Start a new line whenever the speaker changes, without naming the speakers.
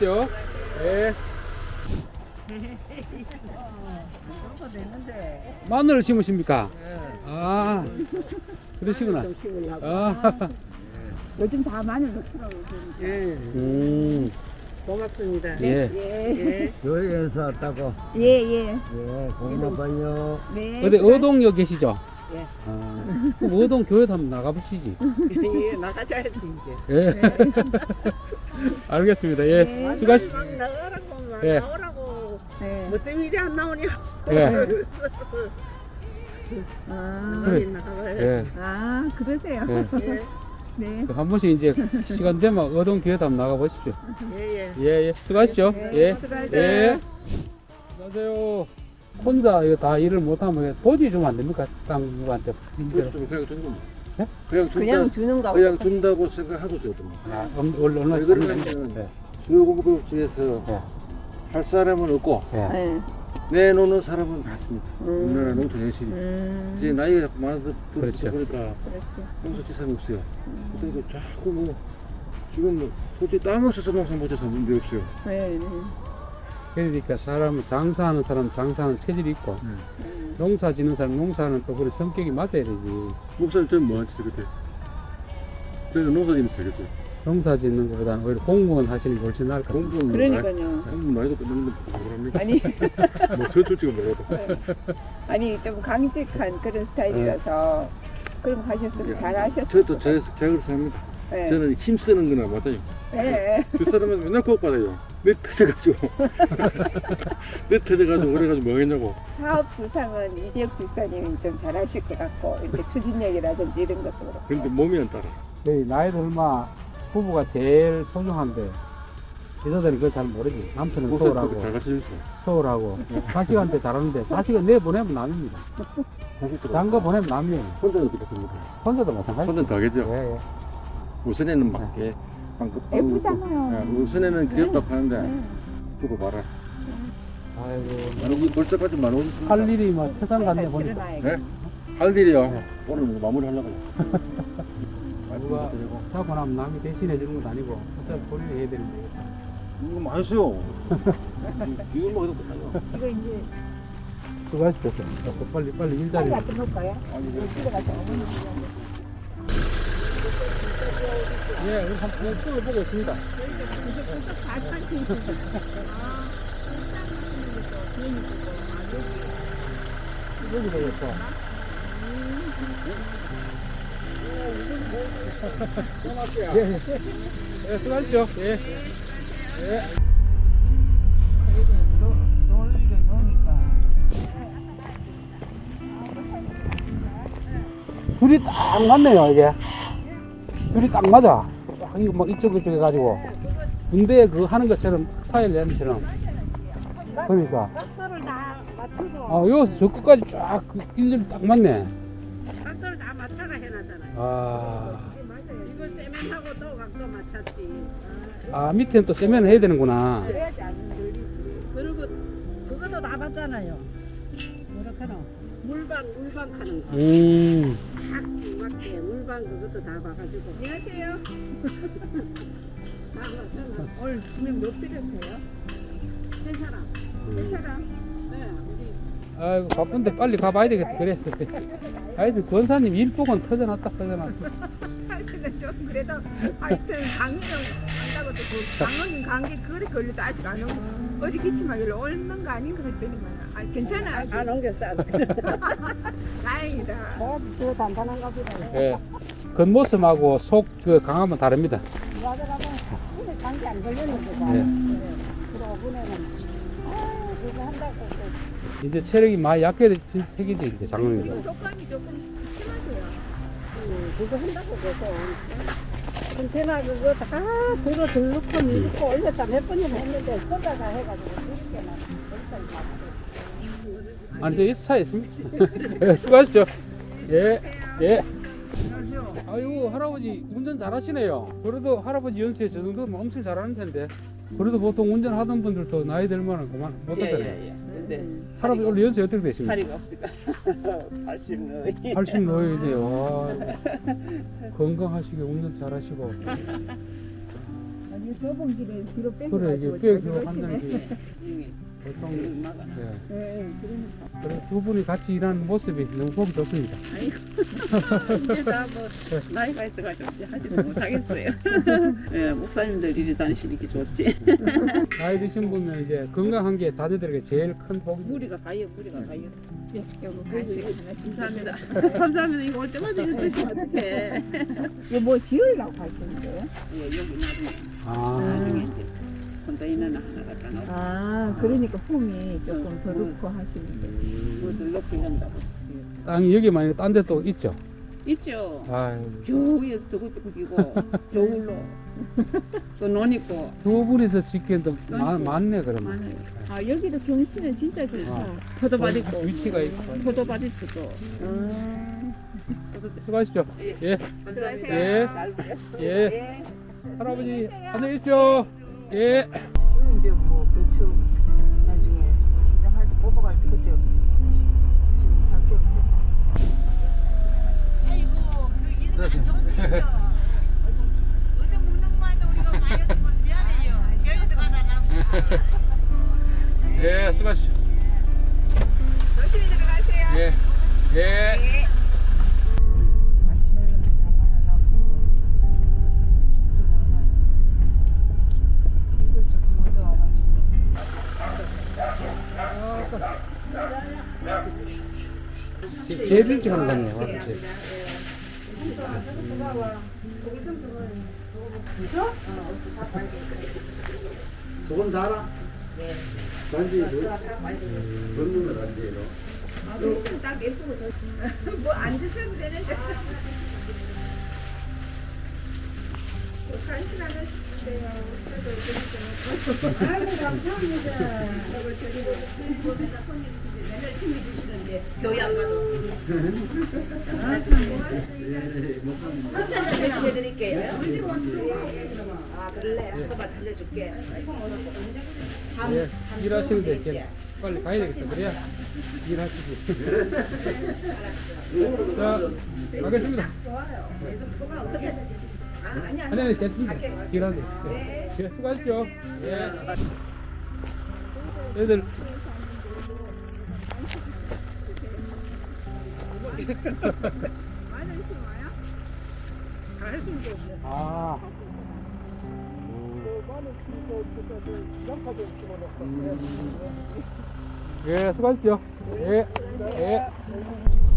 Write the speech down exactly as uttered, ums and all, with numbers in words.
수고하십시오. 예. 마늘을 심으십니까? 아, 그러시구나. 아,
요즘 다 마늘 넣더라고요.
예,
음,
고맙습니다.
예.
예.
여기에서 왔다고.
예, 예.
예, 고마워요.
네.
어디 어동역 계시죠?
예.
아, 그럼 어동 교회도 한번 나가보시지.
예, 나가자야지 이제.
예. 알겠습니다. 예.
네.
수고하시.
막 나가라고 막
예.
나오라고.
네.
뭐 때문에 이리 안 나오냐?
예.
아,
그래.
나가야지.
예.
아, 그러세요.
예.
예,
네.
한 번씩 이제 시간 되면 어동 교회도 한번 나가보십시오.
예, 예.
예, 예. 수고하십시오.
네,
예.
수고하세요.
예. 안녕하세요. 혼자 이거 다 일을 못하면 도지 주면 안 됩니까? 땅 누구한테.
그렇죠. 그냥 주는 겁니다.
예?
그냥 준다,
그냥 주는 거.
그냥 준다고 생각하고 줘야 됩니다.
아, 얼- 얼- 얼마
왜 그러냐면
네.
수요공급지에서
네.
할 사람은 없고
예.
네.
내놓는 사람은 많습니다.
음.
우리나라 농촌 현실이.
음.
이제 나이가 자꾸 많아서
그렇죠.
보니까
그렇지.
농사지사가 없어요. 그러니까 자꾸 뭐 지금 뭐 솔직히 땅 없어서 농사 못 져서 문제 없어요.
네. 네.
그러니까 사람은 장사하는 사람 장사하는 체질이 있고 농사 짓는 사람 농사하는 또 그런 성격이 맞아야 되지.
목사님 저는 뭐 하지 그때? 저는 농사 짓는어요 그죠?
농사 짓는 것보다는 오히려 공무원 하시는 게 훨씬 나을 것 같아요.
공부는
그러니까요.
공부 나이도 끝났는데 뭐랍니까?
아니,
뭐 서툴지가 몰라도.
아니 좀 강직한 그런 스타일이라서 그럼 가셨으면 잘 하셨을
저도
거예요.
제, 제가 그렇게 합니다.
네.
저는 힘쓰는 거나 맞아요.
네.
그 사람은 맨날 꼭 받아요. 내 터져가지고. 내 터져가지고 그래가지고 뭐 하겠냐고.
사업 부상은 이지혁 집사님이 좀 잘하실 것 같고 이렇게 추진력이라든지 이런 것도 그렇고.
그런데 몸이 안 따라.
네, 나이 들마 부부가 제일 소중한데 여자들은 그걸 잘 모르지. 남편은
목사님
소홀하고
그렇게 잘 가르쳐줬어.
소홀하고 자식한테 잘하는데 자식은 내 보내면 남입니다.
자식들.
장거 보내면 남이에요.
혼자는 어떻게 했습니까?
혼자도 마찬가지.
혼자는 더 하겠죠.
예, 예.
우선에는 막 게. 방금
예쁘잖아요.
우선에는 귀엽다 하는데
네.
두고 봐라.
아이고
여기 벌써까지 만 오십.
할 일이 뭐 태산 같네 보니까.
네? 할 일이요.
네.
오늘 뭐 마무리 하려고 해요.
누가 자고 나면 남이 대신해 주는 건 아니고 어차피 본인이 해야 되는데.
이거 맛있어요. 이거 먹어도 끝나요.
이거 이제
수고하십시오. 빨리 빨리 일자리.
빨리 갖다 놓을까요?
아니, 뭐.
집에 가서 어머니
예, 우리 한번 뚫어 보고 있습니다. 여기 되겠어. 예, 예. 예, 수고하십시오. 예. 예.
그래도 노을도 노니까
줄이 딱 맞네요, 이게. 줄이 딱 맞아. 쫙 이거 막 이쪽 이쪽 해가지고 군대에 그 하는 것처럼 딱 사일 내는 처럼. 그러니까.
각도를 다 맞춰서
아, 여기서 저 끝까지 쫙그 일렬이 딱 맞네.
각도를 다 맞춰라 해놨잖아요.
아,
이거 세면하고 또 각도 맞췄지.
아 밑에는 또 세면 해야 되는구나.
그래야지 안 들리지. 그리고 그것도 다 봤잖아요. 뭐라카노? 물방 물방 하는 거.
음,
딱 맞게 물방 그것도 다 봐가지고. 안녕하세요. 다 맞잖아. 오늘 지금 몇 필요세요? 세 사람. 세 사람. 네, 우리.
아이고 바쁜데 빨리 가봐야 되겠다. 그래. 하여튼 권사님 일복은 터져놨다 터져놨어.
하여튼 좀 그래도 하여튼 강의는 한다고 그 강원인 감기 그래 걸려도 아직 안 오고 어제 기침하길래 옳는 거 아닌가 했더니만 아 괜찮아 아직
안 옮겼어.
다행이다.
더 단단한가 보다.
예. 겉모습하고 속 그 강함은 다릅니다.
맞아가면 오늘 감기 안 걸리는 거다.
예.
그러고 보내는 아 그거 한다고 또
이제 체력이 많이 약해진 택이지 이제 장롱이.
지금 독감이 조금 심하대요.
음, 그거 한다고 그래서 컨테이너 그거 다 들어 들놓고 밀고 올렸다 몇 번이나 했는데 쏟아가 해가지고 이렇게만
아니 저 이 차에 있습니다. 예, 수고하십시오. 예, 예. 아유 할아버지 운전 잘하시네요. 그래도 할아버지 연세에 저 정도면 엄청 잘하는 텐데. 그래도 보통 운전하던 분들도 나이 들면은 그만 못하잖아요.
예, 예. 네.
할아버지 원래 연세 어떻게 되십니까?
다리가 없으니까 팔십 너이.
팔십 노예네요. 건강하시게 운전 잘하시고.
이 좁은 길에 뒤로
그래
뺏겨가지고
이게 꽤
저기
그거
오시네.
한다는 게
이미
보통
얼마가
예.
네, 그러니까.
그래 두 분이 같이 일하는 모습이 너무 보기 좋습니다.
이제 다뭐 나이가 있어가지고 이제 하지 못하겠어요. 예, 목사님들 이리 다니시니까 좋지.
나이 드신 분은 이제 건강한 게 자녀들에게 제일 큰 복입니다.
무리가 가요, 무리가 가요.
예, 요거 간식 하나씩.
감사합니다. 감사합니다. 이거 올 때마다 이거 드시면 어떡해.
이거 뭐 지으려고 하시는 거예요?
예, 여기 나중에
아,
나중에 이제 혼자 있는 하나 갖다 놓고
아, 그러니까 폼이 조금 더 넣고 하시는 거예요.
물들 높이는다고.
땅이 여기만 아니고 딴 데 또 있죠.
있죠.
아유,
겨우에 저것저것이고 겨울로 또 논 있고
두 분이서 짓기엔 더 많- 많네 그러면.
많아요.
아, 여기도 경치는 진짜 좋다.
아.
포도밭 있고
위치가 있고.
포도밭 있고.
아,
수고하십시오. 예,
감사합니다.
예.
잘 보세요.
예. 할아버지 안녕히 계십시오. 예.
이거 이제 뭐 배추 나중에 그냥 할 때 뽑아갈 때 그때 지금 할게 없지.
예, 수고하십시오.
조심히 들어가세요.
예, 예.
마시멜로는 담아놔놓고 집도 담아. 집을 조금 얻어와가지고.
제- 제일 일찍 하는 거네요. 와서 제일.
소금 달아? 네. 단지 넣는 거 단지로.
아, 드시면 딱 예쁘고 좋. 뭐안 드셔도 되는데. 뭐 간식 하나 주세요. 그래도 드리죠. 아이고 감사합니다. 이거 드리고 보면서 손님 주시는데 맨날 팀이 주시는데 교회 안 가도.
해드릴게요. 아 그럴래? 한번만 달려줄게.
예, 일하시는데 이렇게 빨리 가야 되겠다. 그래야 일하시지. 자, 가겠습니다. 아니, 아니, 괜찮습니다. 일하는데. 예, 예, 수고하십시오. 예. 애들.
마늘 심어요?
아. 예, 수고하십시오. 예, 예.